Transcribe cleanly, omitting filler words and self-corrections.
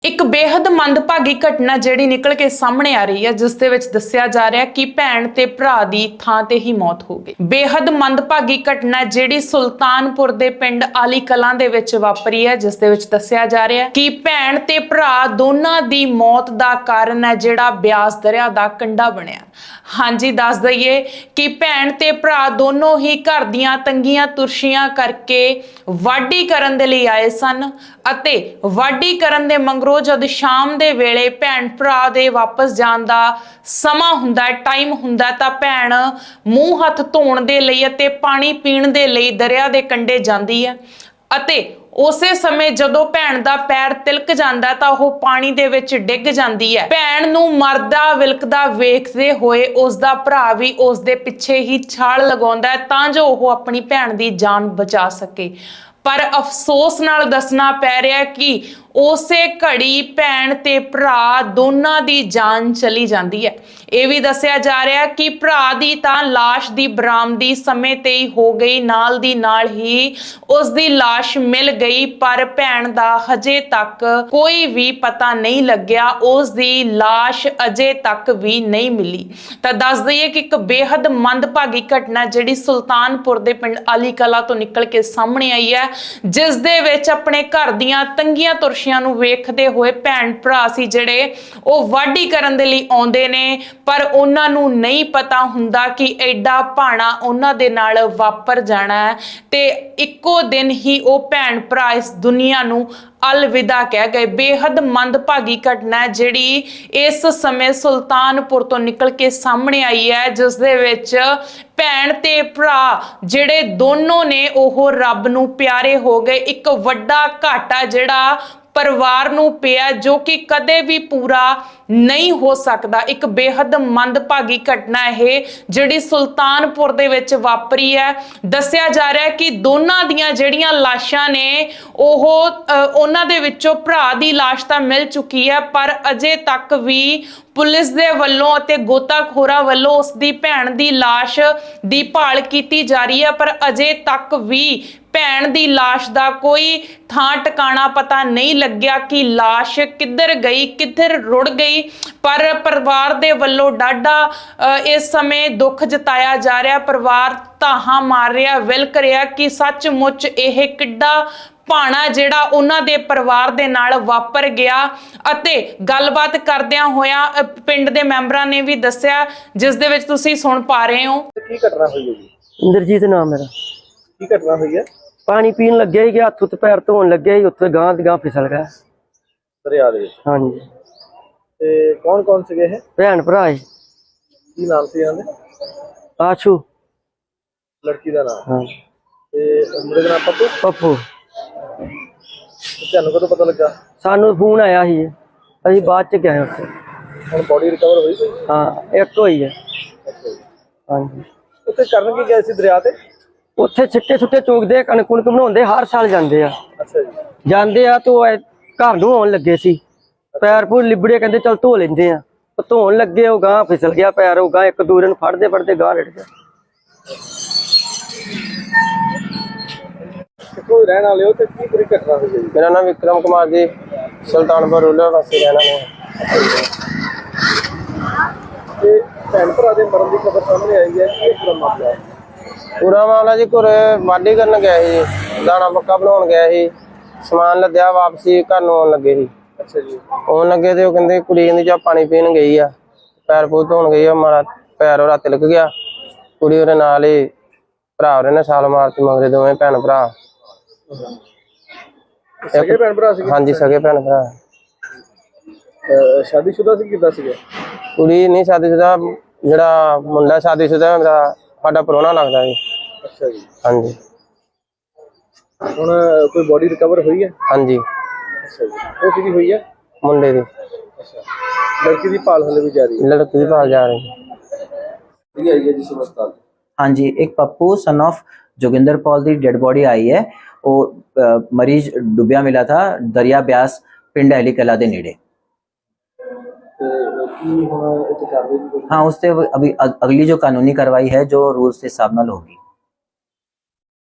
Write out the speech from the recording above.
ਇੱਕ ਬੇहद ਮੰਦਭਾਗੀ ਘਟਨਾ ਜਿਹੜੀ ਨਿਕਲ ਕੇ ਸਾਹਮਣੇ ਆ ਰਹੀ ਹੈ, ਜਿਸ ਦੇ ਵਿੱਚ ਦੱਸਿਆ ਜਾ ਰਿਹਾ ਕਿ ਭੈਣ ਤੇ ਭਰਾ ਦੀ ਥਾਂ ਤੇ ਹੀ ਮੌਤ ਹੋ ਗਈ। ਬੇहद ਮੰਦਭਾਗੀ ਘਟਨਾ ਜਿਹੜੀ ਸੁਲਤਾਨਪੁਰ ਦੇ ਪਿੰਡ ਆਲੀ ਕਲਾਂ ਦੇ ਵਿੱਚ ਵਾਪਰੀ ਹੈ, ਜਿਸ ਦੇ ਵਿੱਚ ਦੱਸਿਆ ਜਾ ਰਿਹਾ ਕਿ ਭੈਣ ਤੇ ਭਰਾ ਦੋਨਾਂ ਦੀ ਮੌਤ ਦਾ ਕਾਰਨ ਹੈ ਜਿਹੜਾ ਬਿਆਸ ਦਰਿਆ ਦਾ ਕੰਢਾ ਬਣਿਆ। ਹਾਂਜੀ, ਦੱਸ ਦਈਏ ਕਿ ਭੈਣ ਤੇ ਭਰਾ ਦੋਨੋਂ ਹੀ ਘਰ ਦੀਆਂ ਤੰਗੀਆਂ ਤੁਰਸ਼ੀਆਂ ਕਰਕੇ ਵਾਢੀ ਕਰਨ ਦੇ ਲਈ ਆਏ ਸਨ ਅਤੇ ਵਾਢੀ ਕਰਨ ਦੇ ਮਗਰੋਂ ਜਦ ਸ਼ਾਮ ਦੇ ਵੇਲੇ ਭੈਣ ਭਰਾ ਦੇ ਵਾਪਸ ਜਾਣ ਦਾ ਸਮਾਂ ਹੁੰਦਾ ਹੈ, ਟਾਈਮ ਹੁੰਦਾ, ਤਾਂ ਭੈਣ ਮੂੰਹ ਹੱਥ ਧੋਣ ਦੇ ਲਈ ਅਤੇ ਪਾਣੀ ਪੀਣ ਦੇ ਲਈ ਦਰਿਆ ਦੇ ਕੰਢੇ ਜਾਂਦੀ ਹੈ ਅਤੇ ਉਸੇ ਸਮੇਂ ਜਦੋਂ ਭੈਣ ਦਾ ਪੈਰ ਤਿਲਕ ਜਾਂਦਾ ਤਾਂ ਉਹ ਪਾਣੀ ਦੇ ਵਿੱਚ ਡਿੱਗ ਜਾਂਦੀ ਹੈ। ਭੈਣ ਨੂੰ ਮਰਦਾ ਵਿਲਕਦਾ ਵੇਖਦੇ ਹੋਏ ਉਸ ਦਾ ਭਰਾ ਵੀ ਉਸ ਦੇ ਪਿੱਛੇ ਹੀ ਛਾਲ ਲਗਾਉਂਦਾ ਹੈ ਤਾਂ ਜੋ ਉਹ ਆਪਣੀ ਭੈਣ ਦੀ ਜਾਨ ਬਚਾ ਸਕੇ। ਪਰ ਅਫਸੋਸ ਨਾਲ ਦੱਸਣਾ ਪੈ ਰਿਹਾ ਕਿ ਉਸੇ ਘੜੀ ਭੈਣ ਤੇ ਭਰਾ ਦੋਨਾਂ ਦੀ ਜਾਨ ਚਲੀ ਜਾਂਦੀ ਹੈ। ਇਹ ਵੀ ਦੱਸਿਆ ਜਾ ਰਿਹਾ ਕਿ ਭਰਾ ਦੀ ਤਾਂ ਲਾਸ਼ ਦੀ ਬਰਾਮਦੀ ਸਮੇਂ ਤੇ ਹੀ ਹੋ ਗਈ, ਨਾਲ ਦੀ ਨਾਲ ਹੀ ਉਸ ਦੀ ਲਾਸ਼ ਮਿਲ ਗਈ, ਪਰ ਭੈਣ ਦਾ ਹਜੇ ਤੱਕ ਕੋਈ ਵੀ ਪਤਾ ਨਹੀਂ ਲੱਗਿਆ, ਉਸ ਦੀ ਲਾਸ਼ ਅਜੇ ਤੱਕ ਵੀ ਨਹੀਂ ਮਿਲੀ। ਤਾਂ ਦੱਸ ਦਈਏ ਕਿ ਇੱਕ ਬੇहद ਮੰਦਭਾਗੀ ਘਟਨਾ ਜਿਹੜੀ ਸੁਲਤਾਨਪੁਰ ਦੇ ਪਿੰਡ ਆਲੀ ਕਲਾਂ ਤੋਂ ਨਿਕਲ ਕੇ ਸਾਹਮਣੇ ਆਈ ਹੈ, ਜਿਸ ਦੇ ਵਿੱਚ ਆਪਣੇ ਘਰ ਦੀਆਂ ਤੰਗੀਆਂ ਤੁਰਸ਼ੀਆਂ ਨੂੰ ਵੇਖਦੇ ਹੋਏ ਭੈਣ ਭਰਾ ਸੀ ਜਿਹੜੇ ਉਹ ਵਾਢੀ ਕਰਨ ਦੇ ਲਈ ਆਉਂਦੇ ਨੇ, ਪਰ ਉਹਨਾਂ ਨੂੰ ਨਹੀਂ ਪਤਾ ਹੁੰਦਾ ਕਿ ਐਡਾ ਭਾਣਾ ਉਹਨਾਂ ਦੇ ਨਾਲ ਵਾਪਰ ਜਾਣਾ ਹੈ ਤੇ ਇੱਕੋ ਦਿਨ ਹੀ ਉਹ ਭੈਣ ਭਰਾ ਇਸ ਦੁਨੀਆ ਨੂੰ अलविदा कह गए। बेहद मंदभागी घटना ਜਿਹੜੀ ਇਸ ਸਮੇਂ ਸੁਲਤਾਨਪੁਰ ਤੋਂ ਨਿਕਲ ਕੇ ਸਾਹਮਣੇ ਆਈ ਹੈ, ਜਿਸ ਦੇ ਵਿੱਚ ਭੈਣ ਤੇ ਭਰਾ ਜਿਹੜੇ ਦੋਨੋਂ ਨੇ ਉਹ ਰੱਬ ਨੂੰ ਪਿਆਰੇ ਹੋ ਗਏ। ਇੱਕ ਵੱਡਾ ਘਾਟਾ ਜਿਹੜਾ परिवार नूं पिया जो कि कदे भी पूरा नहीं हो सकता। एक बेहद मंदभागी घटना है जिहड़ी सुल्तानपुर दे विच वापरी है। दस्सिया जा रहा है कि दोनां दियां जिहड़ियां लाशां ने ओह उन्हां दे विचों भरा दी लाश तां मिल चुकी है, पर अजे तक भी पुलिस दे वल्लों अते गोताखोरां वल्लों उस दी भैण दी लाश दी भाल कीती जा रही है, पर अजे तक भी भैण दी लाश दा कोई थां टिकाणा पता नहीं लग्या कि लाश किधर गई, किधर रुड़ गई। पर परिवार दे वल्लों डाढा इस समय दुख जताया जा रहा। परिवार धाहां मार रहा, विलक रहा कि सचमुच यह किड्डा भाणा जिहड़ा उन्हां दे परिवार दे नाल वापर गया। अते गलबात करदियां होया पिंड दे मैंबरां ने भी दस्सिया, जिस दे विच तुसीं सुण पा रहे हो। की घटना हुई है जी? इंद्रजीत नाम मेरा। की घटना हुई है? पानी पीन लगे ही हथ उत्ते पैर धोन लगे ही उत्ते गांह दी गांह फिसल गया दरिया दे विच। हाँ जी। ते कौन कौन से है? भैन भरा है। की नाम से इन्हां दे? आशू लड़की दा नाम? हाँ। ते मुंडे दा नाम पप्पू? पप्पू। ਤੁਹਾਨੂੰ ਕਦੋਂ ਪਤਾ ਲੱਗਾ? सानू फोन आया ही असीं बाद च गए उत्थे। ਹੁਣ ਬੋਡੀ ਰਿਕਵਰ ਹੋਈ ਕੋਈ? हाँ एक होई है। ਅੱਛਾ ਜੀ। हाँ जी। ਉੱਥੇ ਕਰਨ ਕੀ ਗਏ ਸੀ ਦਰਿਆ ਤੇ? उत्थे छिट्टे छुट्टे चोकदे कणक कुणक बनाउंदे हर साल जांदे आ। ਅੱਛਾ ਜੀ। ਜਾਂਦੇ ਆ तो घर नूं आउण लगे सी, पैर पूर लिबड़े कहंदे चल धो लैंदे आ। धोन लगे ਉਹ गांह फिसल गया पैर, ਉਹ गांह एक दूरे ਨੂੰ फड़दे फड़दे गांह लड़ गया। ਕਿੱਥੋਂ ਰਹਿਣ ਵਾਲੇ ਹੋ ਤੇ ਕੀ ਪੂਰੀ ਘਟਨਾ ਹੋਈ ਹੈ ਜੀ? मेरा नाम विक्रम कुमार जी, सुल्तानपुर रूलर वासी रहना है। ਤੇ ਭੈਣ ਭਰਾ ਦੇ ਮਰਨ ਦੀ ਖਬਰ ਸਾਹਮਣੇ ਆਈ ਹੈ, ਕੀ ਪੂਰਾ ਮਾਮਲਾ ਹੈ? पूरा मामला जी घरे वाढी करन गया ਸੀ, दाना पक्का बनाउण गया ਸੀ, समान लद्या वापसी घर ਨੂੰ ਆਉਣ ਲੱਗੇ ਸੀ। ਅੱਛਾ ਜੀ। ਆਉਣ ਲੱਗੇ ਤੇ ਉਹ ਕਹਿੰਦੇ ਕੁੜੀ ਕਹਿੰਦੀ ਜਾ ਪਾਣੀ ਪੀਣ ਗਈ ਆ, ਪੈਰ ਪੂਰ ਧੋਣ ਗਈ ਆ, ਮਾਰਾ ਪੈਰ ਉਹਦਾ ਤਿਲਕ ਗਿਆ। ਕੁੜੀ ਉਹਦੇ ਨਾਲ ਹੀ ਭਰਾ ਉਹਨੇ ਨੇ ਛਾਲ ਮਾਰਤੀ ਮਗਰੇ, ਦੋਵੇਂ ਭੈਣ ਭਰਾ। ਸਗੇ ਭੈਣ ਭਰਾ ਸੀ? ਹਾਂਜੀ ਸਗੇ ਭੈਣ ਭਰਾ। ਸ਼ਾਦੀशुदा ਸੀ ਕਿੱਦਾਂ ਸੀਗੇ? ਕੁੜੀ ਨਹੀਂ ਸ਼ਾਦੀशुदा, ਜਿਹੜਾ ਮੁੰਡਾ ਸ਼ਾਦੀशुदा ਮੇਰਾ ਸਾਡਾ ਪ੍ਰਾਹੁਣਾ ਲੱਗਦਾ ਜੀ। ਅੱਛਾ ਜੀ। ਹਾਂਜੀ। ਹੁਣ ਕੋਈ ਬੋਡੀ ਰਿਕਵਰ ਹੋਈ ਹੈ? ਹਾਂਜੀ। ਅੱਛਾ ਜੀ। ਉਹ ਕਿਹਦੀ ਹੋਈ ਹੈ? ਮੁੰਡੇ ਦੀ। ਅੱਛਾ। ਲੜਕੀ ਦੀ ਭਾਲ ਹਲੇ ਵੀ ਜਾਰੀ ਹੈ? ਲੜਕੀ ਦੀ ਭਾਲ ਜਾ ਰਹੀ ਹੈ। ਇਹ ਆਈ ਹੈ ਜੀ ਹਸਪਤਾਲ? हाँ जी, एक पप्पू सन ऑफ जोगिंदर पॉल दी डेड बॉडी आई है। वो मरीज डुबिया मिला था दरिया ब्यास पिंड अली कला दे नेड़े। हाँ, उससे अभी अगली जो कानूनी कार्रवाई है जो रूल्स के हिसाब नाल होगी।